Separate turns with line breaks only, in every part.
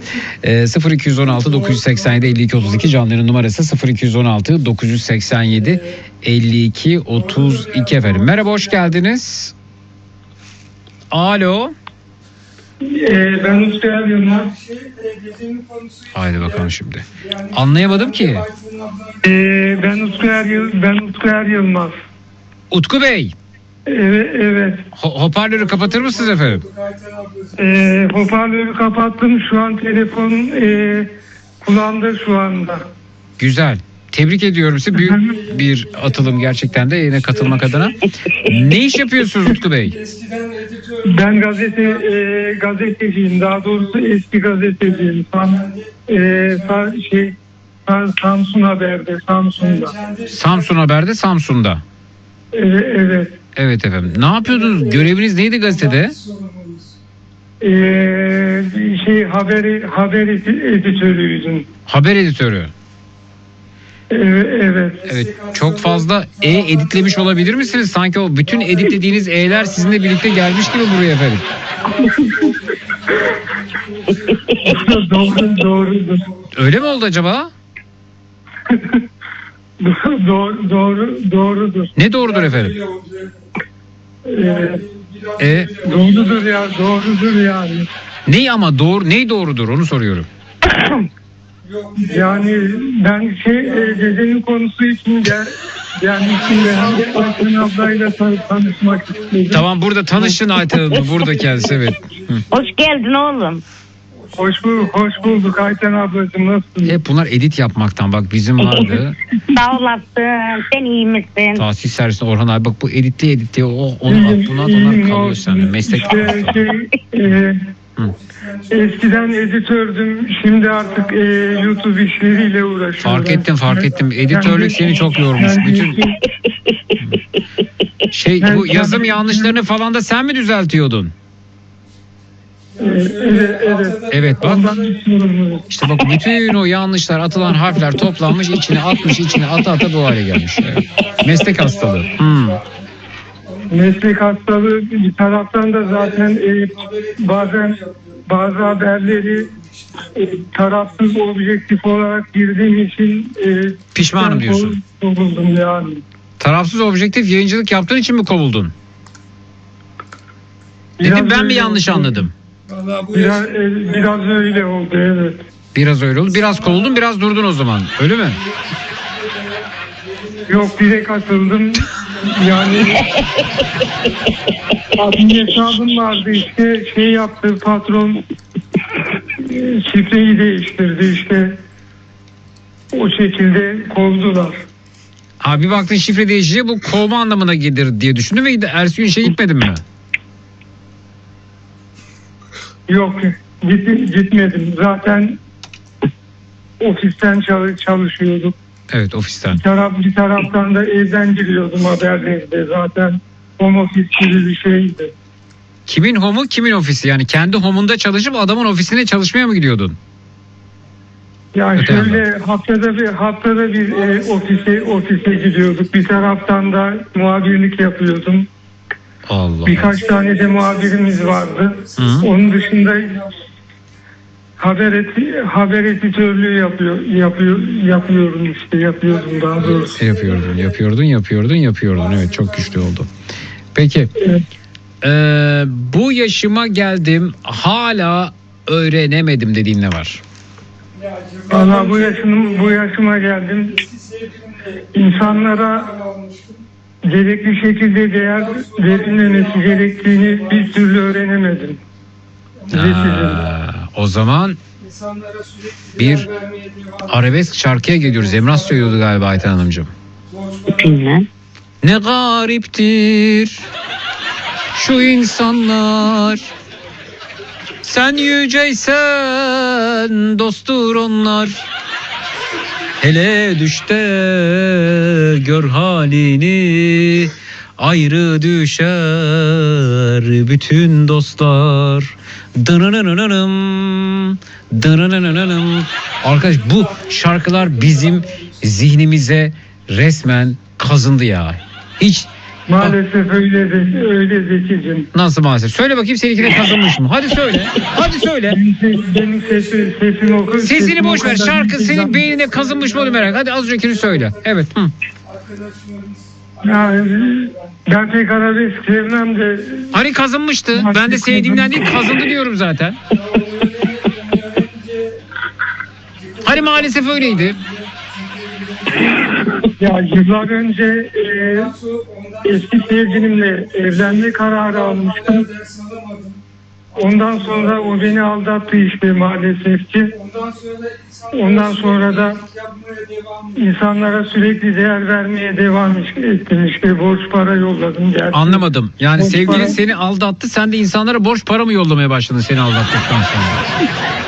0216 987 52 32 canlıların numarası 0216 987 52 32 efendim. Merhaba, hoş geldiniz. Alo.
Ben Utku Yılmaz.
Haydi bakalım şimdi. Anlayamadım ki.
Ben Utku Yılmaz.
Utku Bey.
Evet.
Hoparlörü kapatır mısınız efendim?
Hoparlörü kapattım. Şu an telefon kulağımda şu anda.
Güzel. Tebrik ediyorum sizi. Büyük bir atılım gerçekten de yine katılmak adına. Ne iş yapıyorsunuz Utku Bey?
Ben gazeteciyim. Daha doğrusu eski gazeteciyim. Samsun Haber'de, Samsun'da.
Samsun Haber'de, Samsun'da.
Evet.
Evet efendim. Ne yapıyordunuz? Göreviniz neydi gazetede?
Haber editörüydüm.
Haber editörü.
Evet.
Evet. Çok fazla editlemiş olabilir misiniz? Sanki o bütün editlediğiniz E'ler sizinle birlikte gelmiş gibi buraya efendim.
Doğrudur.
Öyle mi oldu acaba?
Doğrudur.
Ne doğrudur efendim?
Doğrudur yani.
Ney ama doğru, ney doğrudur onu soruyorum.
Yani ben dedenin konusu için gelmiştim de hem de Ayten ablayla tanışmak istedim.
Tamam, burada tanışın Ayten Hanım, burada kendisi, evet.
Hoş geldin oğlum.
Hoş bulduk Ayten ablacığım, nasılsın?
Hep bunlar edit yapmaktan, bak bizim vardı.
Sağ olasın, sen iyi misin?
Tahsis servisinde Orhan abi, bak bu editli onu at bunu at, onlar kalıyor sende. Meslek.
Eskiden editördüm, şimdi artık YouTube işleriyle uğraşıyorum.
Fark ettim. Editörlük seni çok yormuş. Bütün bu yazım yanlışlarını falan da sen mi düzeltiyordun?
Evet.
Evet bak. İşte bak, bütün o yanlışlar, atılan harfler toplanmış, içine ata bu hale gelmiş. Evet. Meslek hastalığı.
Meslek hastalığı bir taraftan da zaten bazen bazı haberleri tarafsız objektif olarak girdiğim için
pişmanım diyorsun.
Kovuldum yani.
Tarafsız objektif yayıncılık yaptığın için mi kovuldun? Dedim ben mi yanlış anladım?
Biraz öyle oldu, evet.
Biraz öyle oldu. Biraz kovuldun, biraz durdun o zaman. Öyle mi?
Yok, direkt atıldım. Yani adli hesabım vardı, işte yaptı patron, şifreyi değiştirdi, işte o şekilde kovdular.
Abi baktın şifre değişince bu kovma anlamına gelir diye düşündüm ve ertesi gün gitmedin mi?
Yok, gitmedim. Zaten ofisten çalışıyorduk.
Evet, ofisten.
Bir taraftan da evden giriyordum haberlerde. Zaten home office gibi bir şeydi.
Kimin home'u, kimin ofisi? Yani kendi home'unda çalışıp adamın ofisine çalışmaya mı gidiyordun?
Yani
öte
şöyle haftada bir ofise gidiyorduk. Bir taraftan da muhabirlik yapıyordum.
Allah.
Birkaç tane de muhabirimiz vardı.
Hı.
Onun dışında haber editörlüğü yapıyordum daha doğrusu.
Yapıyordun. Evet, çok güçlü oldu. Peki.
Evet.
Bu yaşıma geldim, hala öğrenemedim dediğin ne var?
Valla bu yaşıma geldim. İnsanlara gerekli şekilde değer verilmemesi gerektiğini bir türlü öğrenemedim.
O zaman bir arabesk şarkıya geliyoruz. Emrah söylüyordu galiba Ayten Hanımcığım.
Bilmem.
Ne gariptir şu insanlar, sen yüceysen dosttur onlar. Hele düşte gör halini, ayrı düşer bütün dostlar. Dınınınınınım. Arkadaş, bu şarkılar bizim zihnimize resmen kazındı ya. Hiç
Maalesef öyle Zekicim.
Nasıl maalesef? Söyle bakayım seninkine kazınmış mı? Hadi söyle. Hadi söyle.
Benim sesim okur.
Sesini boş ver.
o kadar
Şarkı
değil.
senin beynine kazınmış mı onu merak. Hadi az öncekini söyle. Evet. Hı.
Yani, ben pek arabesk sevmem de.
Hani kazınmıştı. Ben de sevdiğimden değil kazındı diyorum zaten. Hani maalesef öyleydi.
Ya yıllar önce eski sevgilimle evlenme kararı almıştım. Ondan sonra o beni aldattı işte maalesef ki. Ondan sonra da insanlara sürekli değer vermeye devam ettim. İşte borç para yolladım. Gerçi.
Anlamadım. Yani
Borç
sevgilin
para-
seni aldattı. Sen de insanlara borç para mı yollamaya başladın seni aldattıktan sonra?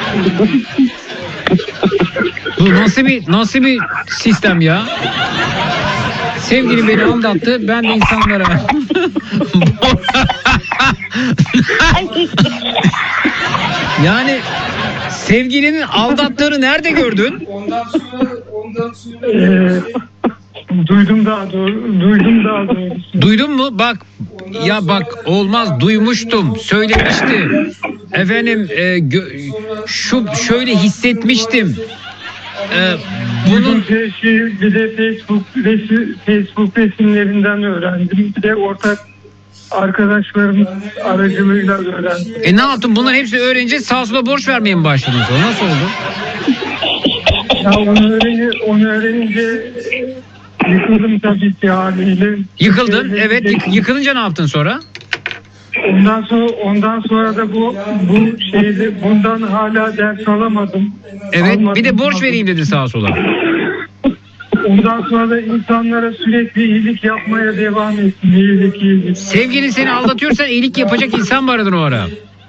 Bu nasıl bir sistem ya? Sevgilim beni aldattı. Ben de insanlara yani sevgilinin aldattığını nerede gördün?
Duydum daha doğrusu.
Duydun mu? Bak ya bak olmaz duymuştum. Söylemişti. Efendim şöyle hissetmiştim. Bunun
Bir de Facebook resimlerinden öğrendim. Bir de ortak arkadaşlarım aracılığıyla öğrendim.
ne yaptın? Bunların hepsini öğrenince sağa sola borç vermeye mi başladın sonra? Nasıl oldu?
Ya onu öğrenince yıkıldım tabii ki haliyle.
Yıkıldın. Evet. Yıkılınca ne yaptın sonra?
Ondan sonra da bu şeyde bundan hala ders alamadım.
Evet.
Almadım.
Bir de borç vereyim dedi sağa sola.
Ondan sonra da insanlara sürekli iyilik yapmaya devam ettim. İyilik.
Sevgilin seni aldatıyorsan iyilik yapacak insan mı aradın o ara?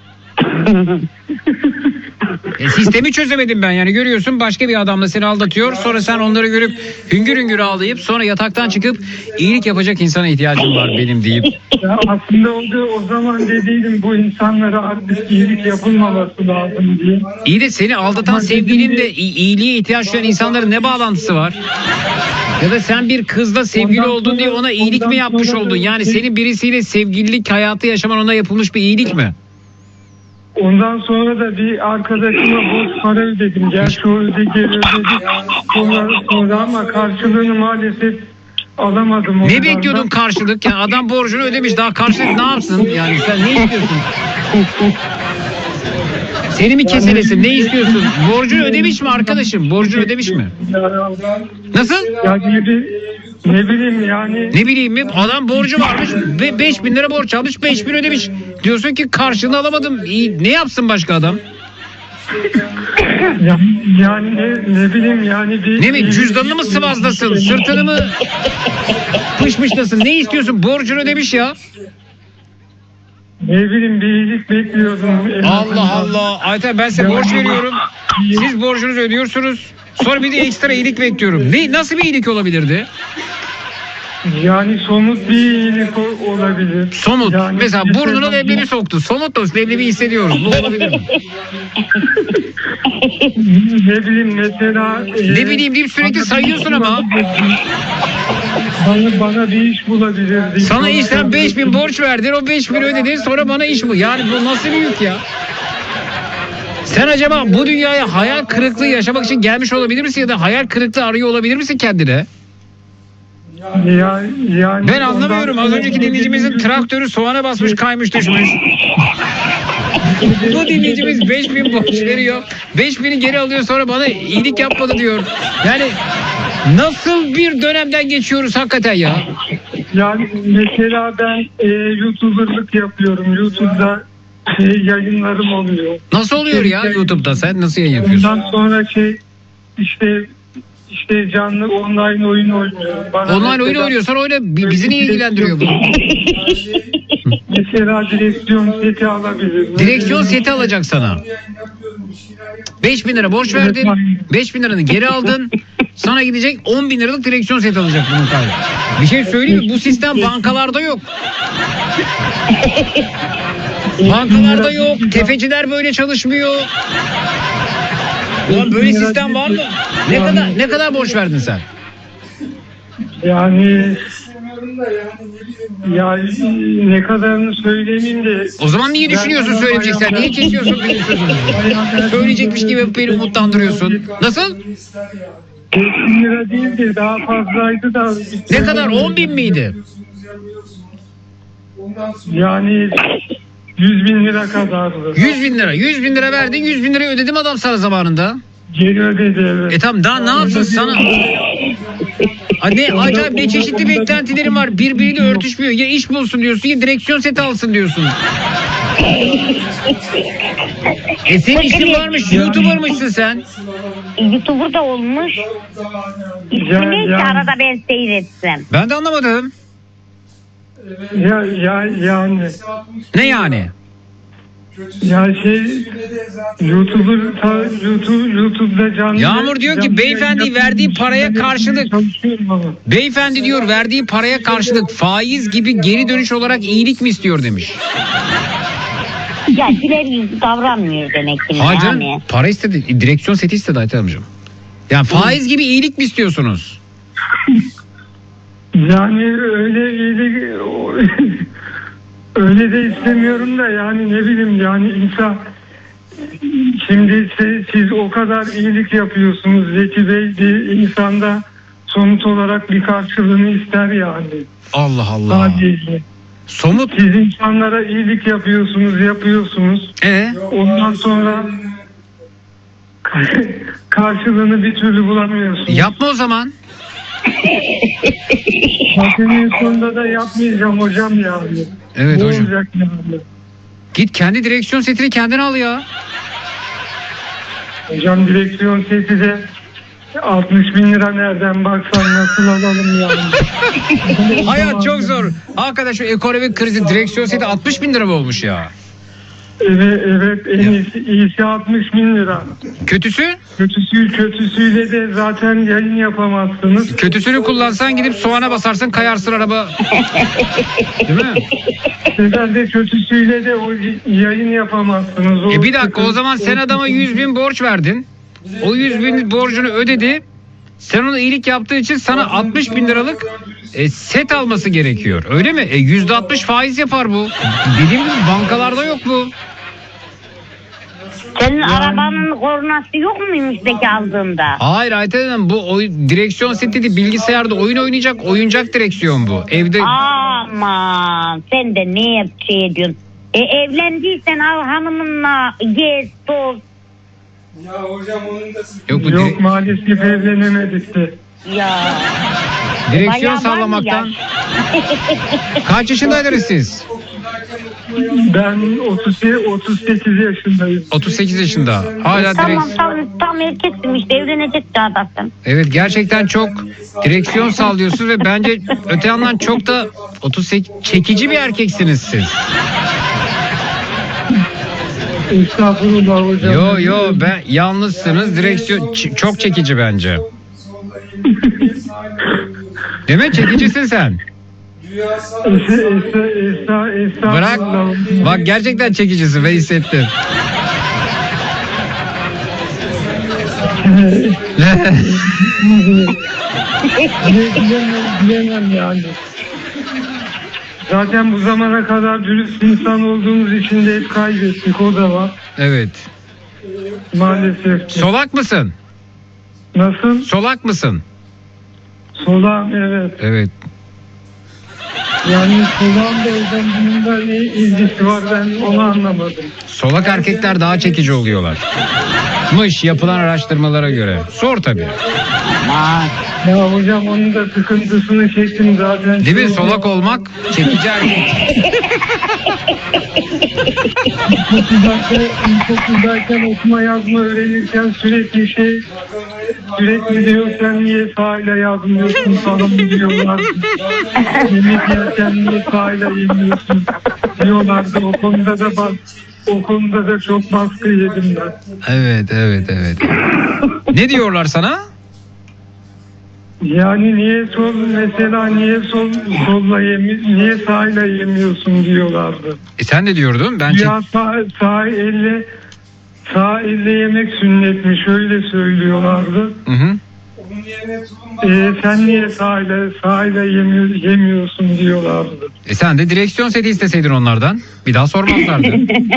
Sistemi çözemedim ben yani görüyorsun başka bir adamla seni aldatıyor sonra sen onları görüp hüngür hüngür ağlayıp sonra yataktan çıkıp iyilik yapacak insana ihtiyacım var benim deyip.
Ya aslında o zaman dediydim bu insanlara artık iyilik yapılmaması lazım diye.
İyi de seni aldatan sevgilinle iyiliğe ihtiyaç duyan insanların ne bağlantısı var? Ya da sen bir kızla sevgili oldun diye ona iyilik mi yapmış oldun? Yani senin birisiyle sevgililik hayatı yaşaman ona yapılmış bir iyilik mi?
Ondan sonra da bir arkadaşıma borç para ödedim. Gerçi o ödedi sonra ama karşılığını maalesef alamadım.
Ne bekliyordun karşılık? Yani adam borcunu ödemiş daha karşılık ne yapsın? Yani sen ne istiyorsun? Seni mi keselesin? Ne istiyorsun? Borcunu ödemiş mi arkadaşım? Borcunu ödemiş mi? Nasıl?
Ya ne bileyim yani.
Ne bileyim mi? Adam borcu varmış ve 5.000 lira borç almış 5.000 ödemiş. Diyorsun ki karşılığını alamadım. İyi, ne yapsın başka adam?
Yani ne bileyim yani.
Ne mi? Cüzdanını mı sıvazlasın? Sırtını mı pışmışlasın? Ne istiyorsun? Borcunu ödemiş ya.
Ne bileyim bir iyilik bekliyordum.
Allah Allah. Ayten ben size borç veriyorum. Siz borcunuzu ödüyorsunuz. Sonra bir de ekstra iyilik bekliyorum. Nasıl bir iyilik olabilirdi?
Yani somut bir iyilik olabilir.
Somut.
Yani
mesela burnuna leblebi soktu. Somut da leblebi hissediyoruz. Bu olabilir mi?
Ne bileyim mesela.
Ne bileyim deyip sürekli sayıyorsun ama.
Bana bir iş bulabilir.
Sana işten 5.000 borç verdin. O 5.000 ödedin. Sonra bana iş bu. Yani bu nasıl bir yük ya? Sen acaba bu dünyaya hayal kırıklığı yaşamak için gelmiş olabilir misin? Ya da hayal kırıklığı arıyor olabilir misin kendine?
Yani
Ben anlamıyorum. Az önceki dinleyicimizin traktörü soğana basmış kaymış düşmüş. Bu dinleyicimiz 5.000 borç veriyor. 5.000'i geri alıyor sonra bana iyilik yapmadı diyor. Yani nasıl bir dönemden geçiyoruz hakikaten ya?
Yani mesela ben YouTuber'lık yapıyorum. YouTube'da yayınlarım oluyor.
Nasıl oluyor ya YouTube'da sen? Nasıl yayın yapıyorsun?
Ondan sonra işte canlı online oyun oynuyorum.
Online oyun oynuyorsan oyna. Bizi niye ilgilendiriyor bu?
Mesela direksiyon seti alabilirim.
Direksiyon seti alacak sana. 5.000 lira borç verdin. 5.000 liranı geri aldın. Sana gidecek 10.000 liralık direksiyon seti alacak bunun kaydı. Bir şey söyleyeyim mi? Bu sistem bankalarda yok. Bankalarda yok. Tefeciler böyle çalışmıyor. Ulan böyle sistem var mı? Ne kadar borç verdin sen?
Yani Ya ne kadarını söylemeyeyim de.
O zaman niye düşünüyorsun söyleyeceksen? Niye kesiyorsun benim sözümü? Söyleyecekmiş gibi beni umutlandırıyorsun. Nasıl?
5.000 lira değil de daha fazlaydı da.
Ne kadar? 10.000 miydi?
Yani 100.000 lira kadardı.
100.000 lira. 100.000 lira verdin. 100.000 lirayı ödedim adam sana zamanında.
Geri ödedi, evet.
Tamam, daha ne yapsın sana? Ne acayip, ne çeşitli beklentilerim var. Birbiriyle örtüşmüyor. Ya iş bulsun diyorsun, ya direksiyon seti alsın diyorsun. Senin işin varmış, YouTuber'mışsın sen.
YouTuber da olmuş. İsmi neyse arada ben seyretsem.
Ben de anlamadım.
Yani.
Ne yani?
Ya YouTube'da canlı.
Yağmur diyor ki beyefendi verdiği paraya karşılık. Beyefendi diyor verdiği paraya karşılık faiz gibi geri dönüş olarak iyilik mi istiyor demiş.
Ya güler yüzlü davranmıyor demek ki.
Hayır canım,
yani.
para istedi. Direksiyon seti istedi Ayten amcam. Yani faiz gibi iyilik mi istiyorsunuz?
Yani öyle iyilik öyle de istemiyorum da, yani ne bileyim, yani insan şimdi siz o kadar iyilik yapıyorsunuz Zeki Bey, bir insanda somut olarak bir karşılığını ister yani.
Allah Allah.
Sadece.
Somut.
Siz insanlara iyilik yapıyorsunuz. Ondan sonra karşılığını bir türlü bulamıyorsunuz.
Yapma o zaman.
Zaten sonunda da yapmayacağım hocam yani.
Evet hocam.
Olacak yani.
Git kendi direksiyon setini kendin al ya.
Hocam direksiyon seti de 60.000 lira, nereden baksan nasıl alalım yani.
Hayat çok zor. Hakikaten şu ekonomik krizi direksiyon seti 60.000 lira mı olmuş ya?
Evet, en iyisi 60.000 lira.
Kötüsü?
Kötüsüyle de zaten yayın yapamazsınız.
Kötüsünü kullansan gidip soğana basarsın, kayarsın araba. Değil mi?
Herhalde kötüsüyle de o yayın yapamazsınız.
Bir dakika, o zaman sen adama 100.000 borç verdin. O 100.000 borcunu ödedi. Sen ona iyilik yaptığı için sana 60.000 liralık set alması gerekiyor. Öyle mi? %60 faiz yapar bu. Dediğim gibi bankalarda yok bu.
Senin arabanın kornası yok muymuş Zeki aldığında?
Hayır Ayten Hanım, bu direksiyon seti değil, bilgisayarda oyun oynayacak oyuncak direksiyon bu. Evde...
Aman sen de ne şey ediyorsun? Evlendiysen al hanımınla gez toz.
Ya hocam onun da yok maalesef evlenemedik de.
Ya.
Direksiyon sallamaktan. Kaç yaşındaydınız siz?
Ben 38 yaşındayım.
38 yaşında. Hala
Tam erkeksin işte, evlenecek çağdasın.
Evet, gerçekten çok direksiyon sallıyorsunuz ve bence öte yandan çok da 38 çekici bir erkeksiniz siz.
Estağfurullah hocam.
Yo ben yalnızsınız, direksiyon çok çekici bence. Değil mi? Çekicisin sen. Bırak. Bak gerçekten çekicisin ve hissettim.
Bilemem yani. Zaten bu zamana kadar dürüst insan olduğumuz için de hep kaybettik, o da var.
Evet.
Maalesef.
Solak mısın?
Nasıl?
Solak mısın?
Solağım, evet.
Evet.
Yani solağım da hocam, bunun da ne ilgisi var, ben onu anlamadım.
Solak erkekler daha çekici oluyorlar. Yapılan araştırmalara göre. Sor tabii.
Ya hocam onun da sıkıntısını çektim zaten.
Değil mi? Solak olmak çekici erkek.
İlkokuldayken okuma yazma öğrenirken sürekli diyor, sen niye sahile yazmıyorsun falan diyorlar. Yemek yerken niye sahile yemiyorsun diyorlardı. O konuda da çok baskı yedim ben.
Evet. Ne diyorlar sana?
Yani niye sahile yemiyorsun diyorlardı.
Sen ne diyordun?
Ya sağ elle yemek sünnetmiş, öyle söylüyorlardı.
Hı.
Sen niye sahile yemiyorsun diyorlardı.
Sen de direksiyon seti isteseydin onlardan. Bir daha sormazlardı.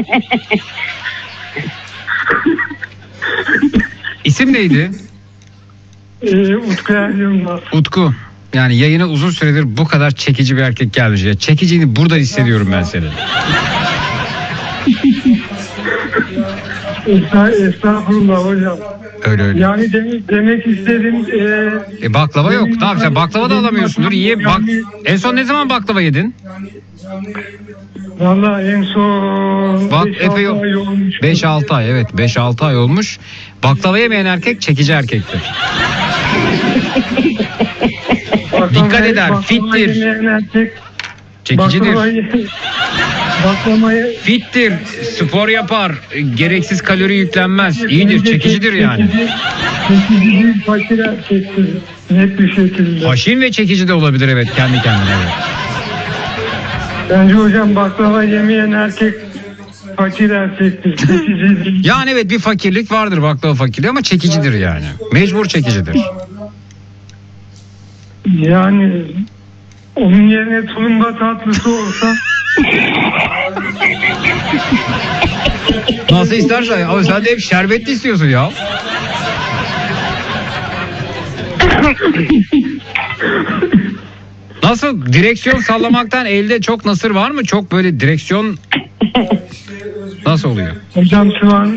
İsim neydi?
Utku Yılmaz.
Utku. Yani yayına uzun süredir bu kadar çekici bir erkek gelmiş. Ya çekiciliğini buradan hissediyorum ben senin.
Estağfurullah hocam.
Öyle.
Yani demek istedim.
Baklava yok. Ne yapacaksın? Baklava da alamıyorsundur. En son ne zaman baklava yedin?
Vallahi en son
Bak
5-6 ay olmuş.
5-6 ay, evet 5-6 ay olmuş. Baklava yemeyen erkek çekici erkektir. Dikkat eder, fittir. Çekicidir. Fittir, spor yapar, gereksiz kalori yüklenmez. İyidir, çekicidir yani.
Çekici, fakir erkektir. Net bir şekilde.
Haşin ve çekici de olabilir, evet, kendi kendine. Evet.
Bence hocam baklava yemeyen erkek fakir erkektir. Çekici değil.
Yani evet, bir fakirlik vardır, baklava fakirliği, ama çekicidir yani. Mecbur çekicidir.
Yani onun yerine tulumba tatlısı olsa.
Nasıl istersen, ama sen de hep şerbetli istiyorsun ya. Nasıl, direksiyon sallamaktan elde çok nasır var mı? Çok böyle direksiyon nasıl oluyor?
Hocam şu an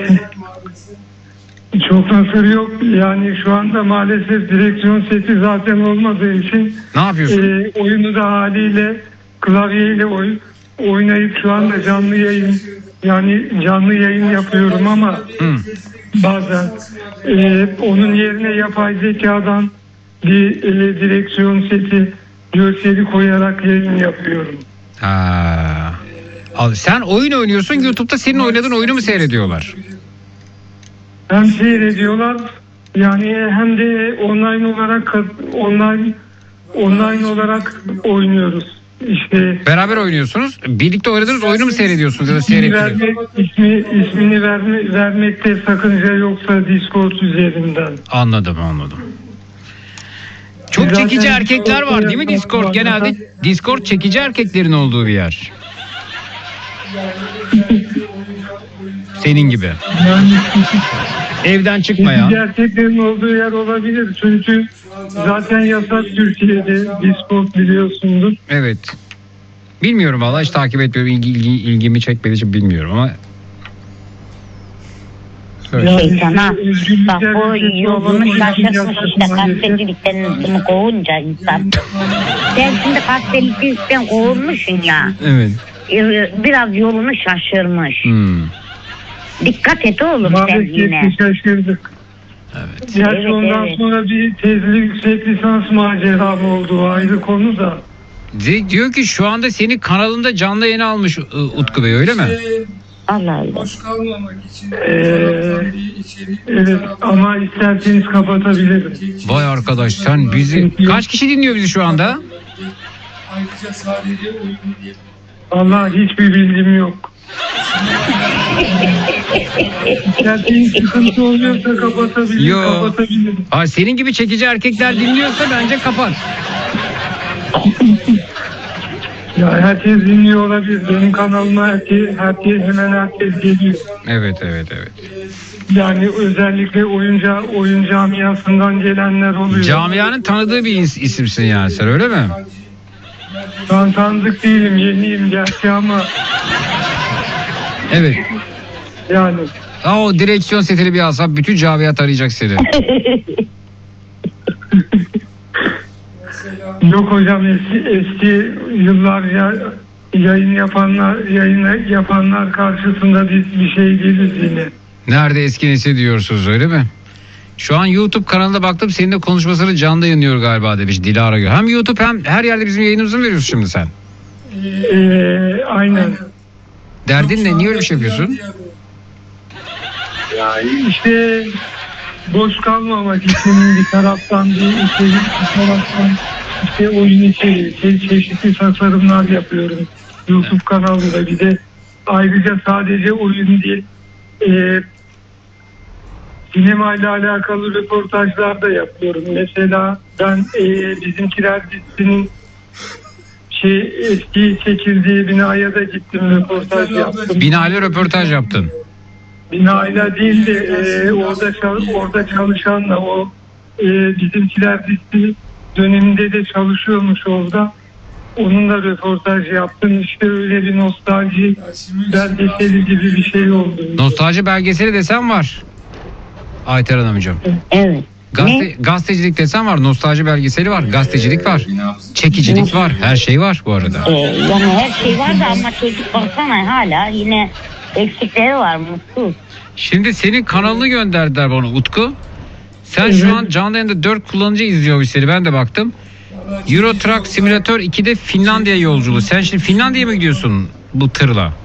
çok nasır yok. Yani şu anda maalesef direksiyon seti zaten olmadığı için
Ne yapıyorsun?
oyunu da haliyle klavyeyle oynayıp şu anda canlı yayın yapıyorum ama bazen onun yerine yapay zekadan bir direksiyon seti görseli koyarak yayın yapıyorum.
Ha. Sen oyun oynuyorsun, YouTube'da senin oynadığın oyunu mu seyrediyorlar?
Hem seyrediyorlar yani hem de online olarak oynuyoruz. İşte
Beraber oynuyorsunuz. Birlikte oynadığınız oyunu mu seyrediyorsunuz ya da seyrettiniz?
İsmini vermekte sakınca yoksa Discord üzerinden.
Anladım. Çok
Zaten
çekici erkekler var değil mi
Discord
Discord? Genelde Discord çekici erkeklerin olduğu bir yer. Senin gibi.
Yani
Evden çıkmayan.
çekici erkeklerin olduğu yer olabilir. Çünkü zaten yasak Türkiye'de Discord, biliyorsundur.
Evet. Bilmiyorum vallahi, hiç takip etmiyorum. İlgimi çekmediği için bilmiyorum ama. Evet.
Şeytana bak, o yolunu şaşırmış işte gazetecilikten bunu kovunca insan. Sen şimdi gazetecilikten kovulmuşsun ya.
Evet.
biraz yolunu şaşırmış. Dikkat et oğlum sen Maalesef yine.
şaşırdık.
Evet.
Gerçi
Evet,
ondan
evet.
sonra bir tezli yüksek lisans maceram oldu, ayrı konu da.
Diyor ki şu anda seni kanalında canlı yayına almış Utku Bey, öyle mi?
Allah Allah.
Boş kalmamak için
Evet ama isterseniz kapatabilirim.
Vay arkadaş, sen bizi... Kaç kişi dinliyor bizi şu anda?
Ayrıca sadece uygun değil.
Vallahi hiçbir bilgim yok. İsterseniz sıkıntı oluyorsa kapatabilirim.
Yo.
Kapatabilirim.
Aa, senin gibi çekici erkekler dinliyorsa bence kapat.
Ya herkes dinliyor olabilir. Benim kanalıma hemen herkes geliyor.
Evet.
Yani özellikle oyun camiasından gelenler oluyor.
Camianın tanıdığı bir isimsin yani sen, öyle mi?
Ben tanıdık değilim, yeniyim gerçi ama
Evet.
yani
O direksiyon setini bir alsam bütün camiat arayacak seni.
yok hocam, eski yıllarca yayın yapanlar karşısında bir şey değiliz yine.
Nerede eski nesil diyorsunuz, öyle mi? Şu an YouTube kanalına baktım, seninle konuşmasını canlı yayınlıyor galiba demiş Dilara Gül. Hem YouTube hem her yerde bizim yayınımızı mı veriyorsun şimdi sen?
Aynen.
Derdin ne? Niye öyle bir şey yapıyorsun?
İşte boş kalmamak için bir taraftan bir taraftan işte oyun içeriği, çeşitli tasarımlar yapıyorum YouTube kanalında. Bir de ayrıca sadece oyun değil,
sinemayla alakalı röportajlar da yapıyorum. Mesela ben Bizimkiler dizisinin eski çekildiği binaya da gittim, röportaj yaptım.
Binayla röportaj yaptın.
Binayla değil de orada çalışanla, o Bizimkiler dizisi döneminde de çalışıyormuş orada. Onunla röportaj yaptım. İşte öyle bir nostalji belgeseli gibi bir şey oldu.
Nostalji belgeseli desem var. Ayter Hanımcığım.
Evet.
Gazetecilik desem var. Nostalji belgeseli var. Gazetecilik var. Çekicilik var. Her şey var bu arada.
Yani her şey var da ama çocuk baksana hala yine eksikleri var, mutsuz.
Şimdi senin kanalını gönderdiler bana Utku. Sen şu an canlı yayında 4 kullanıcı izliyor bu seri. Ben de baktım. Euro Truck Simulator 2'de Finlandiya yolculuğu. Sen şimdi Finlandiya'ya mı gidiyorsun bu tırla?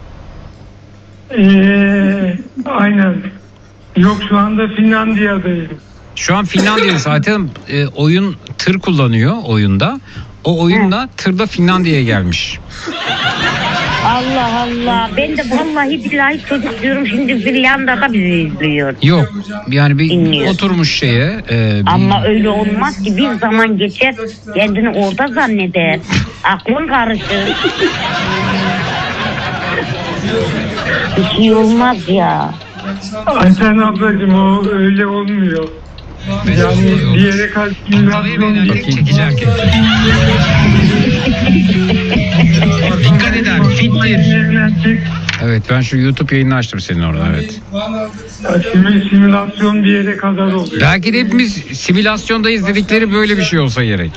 Aynen. Yok, şu anda Finlandiya'dayım.
Şu an Finlandiya'da zaten oyun tır kullanıyor oyunda. O oyunla tırda Finlandiya'ya gelmiş.
Allah Allah. Ben de vallahi billahi çocuk diyorum, şimdi Finlandiya'da bizi izliyor.
Yok yani bir
Dinliyor.
oturmuş şeye.
Ama öyle olmaz ki, bir zaman geçer kendini orada zanneder. Aklın karışır. Bir şey olmaz ya.
Ayten ablacığım, o öyle olmuyor. Yani bir yere kalkmıyor.
Çekici erkek. Dikkat eder. Fittir. Evet, ben şu YouTube yayını açtım senin orada, evet.
Simülasyon bir yere kadar oluyor.
Belki de hepimiz simülasyonda izledikleri böyle bir şey olsa gerek.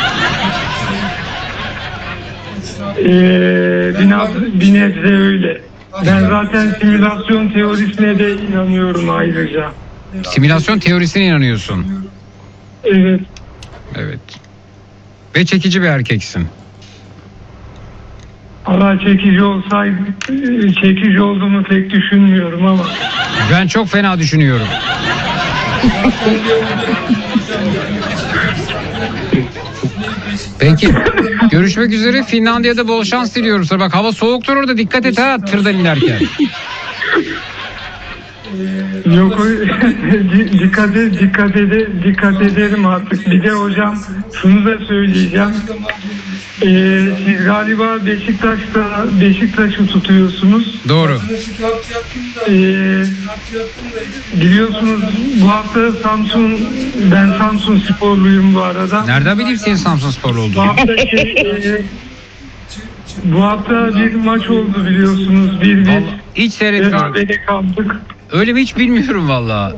Bir nebze öyle. Ben zaten simülasyon teorisine de inanıyorum ayrıca.
Simülasyon teorisine inanıyorsun.
Evet.
Evet. Ve çekici bir erkeksin.
Allah, çekici olduğumu pek düşünmüyorum ama.
Ben çok fena düşünüyorum. Peki. Görüşmek üzere. Finlandiya'da bol şans diliyorum sana. Bak, hava soğuktur orada. Dikkat et ha, tırdan inerken.
Yok, dikkat ederim artık. Bir de hocam şunu da söyleyeceğim. Siz galiba Beşiktaş'ı tutuyorsunuz.
Doğru.
Biliyorsunuz bu hafta ben Samsun sporluyum bu arada.
Nereden bileyim senin Samsun sporlu
Bu
olduğunu?
hafta bu hafta bir maç oldu biliyorsunuz. 1-1.
Vallahi hiç seyretmiyorum.
Berabere kaldık.
Öyle mi, hiç bilmiyorum valla.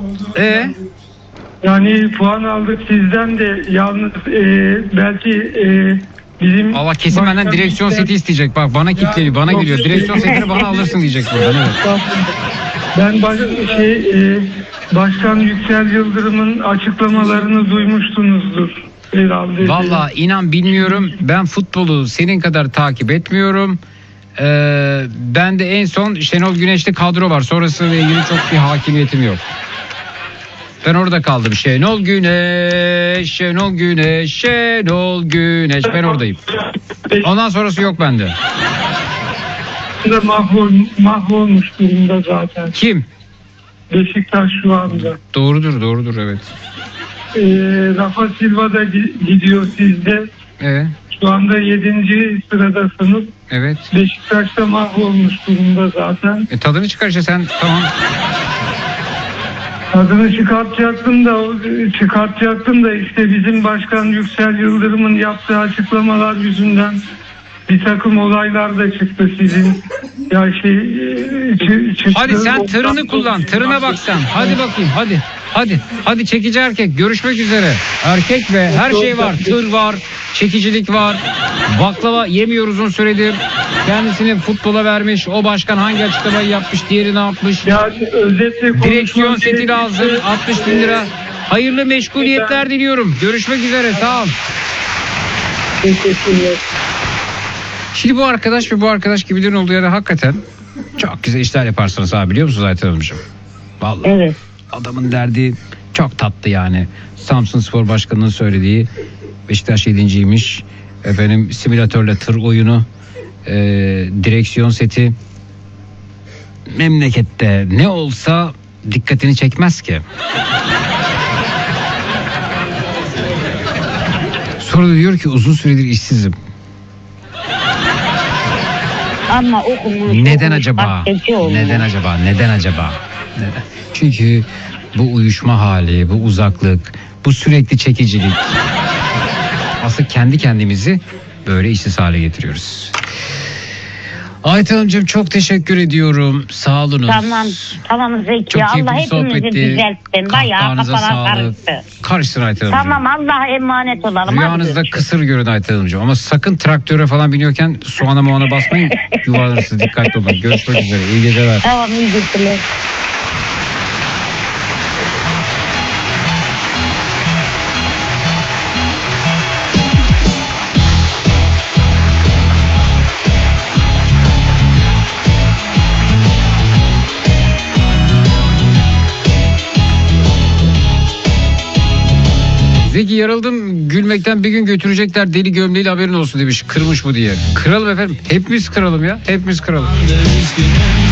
Yani puan aldık sizden de, yalnız belki bizim...
Allah kesin benden direksiyon seti isteyecek. Bak, bana kitleli, bana geliyor. Direksiyon setini bana alırsın diyecek buradan. Evet.
Ben Başkan Yüksel Yıldırım'ın açıklamalarını duymuşsunuzdur herhalde.
Valla inan bilmiyorum. Ben futbolu senin kadar takip etmiyorum. Ben de en son Şenol Güneş'te kadro var. Sonrasıyla ilgili çok bir hakimiyetim yok. Ben orada kaldım. Şenol Güneş, Şenol Güneş, Şenol Güneş. Ben oradayım. Ondan sonrası yok bende.
Mahvolmuş durumda zaten.
Kim?
Beşiktaş şu anda.
Doğrudur evet.
Rafa Silva da gidiyor sizde.
Evet.
Şu anda 7. sıradasınız.
Evet.
Beşiktaş da mahvolmuş durumda zaten.
Tadını çıkar işte sen, tamam.
Adını çıkartacaktım da işte bizim Başkan Yüksel Yıldırım'ın yaptığı açıklamalar yüzünden bir takım olaylar da çıktı sizin. Ya çıktı.
Hadi sen tırını kullan. Tırına bak sen. Hadi bakayım, hadi. Hadi çekici erkek. Görüşmek üzere. Erkek ve her şey var. Tır var. Çekicilik var. Baklava yemiyor uzun süredir. Kendisini futbola vermiş. O başkan hangi açıklamayı yapmış, diğeri ne yapmış?
Ya özetle
Direksiyon seti lazım. 60 bin lira. Hayırlı meşguliyetler diliyorum. Görüşmek üzere. Sağ ol.
Teşekkürler.
Şimdi bu arkadaş gibilerin olduğu yerde hakikaten çok güzel işler yaparsınız abi, biliyor musunuz Ayten Hanımcığım? Vallahi.
Evet.
Adamın derdi çok tatlı yani. Samsun Spor Başkanı'nın söylediği, Beşiktaş 7.'ymiş. Efendim, simülatörle tır oyunu, direksiyon seti. Memlekette ne olsa dikkatini çekmez ki. Sonra da diyor ki uzun süredir işsizim.
Ama okumuş.
Neden acaba? Neden acaba? Neden acaba? Neden? Çünkü bu uyuşma hali, bu uzaklık, bu sürekli çekicilik. Aslında kendi kendimizi böyle işsiz hale getiriyoruz. Ayten Hanımcığım çok teşekkür ediyorum. Sağ olunuz.
Tamam Zeki.
Çok keyifli
Allah
bir
hepimizi
sohbetti.
düzeltsin. Bayağı
Kahkahanıza
kafalar
sağlık.
karıştı.
Karışsın Ayten Hanımcığım.
Tamam Allah'a emanet olalım.
Rüyanızda kısır görün Ayten Hanımcığım. Ama sakın traktöre falan biniyorken soğana moğana basmayın. Yuvarlanırsınız, dikkatli olun. Görüşmek üzere. İyi geceler.
Tamam iyi geceler.
Zeki yarıldım gülmekten, bir gün götürecekler deli gömleğiyle, haberin olsun demiş. Kırmış bu diye. Kıralım efendim. Hepimiz kıralım ya. Hepimiz kıralım.
Üzgünüm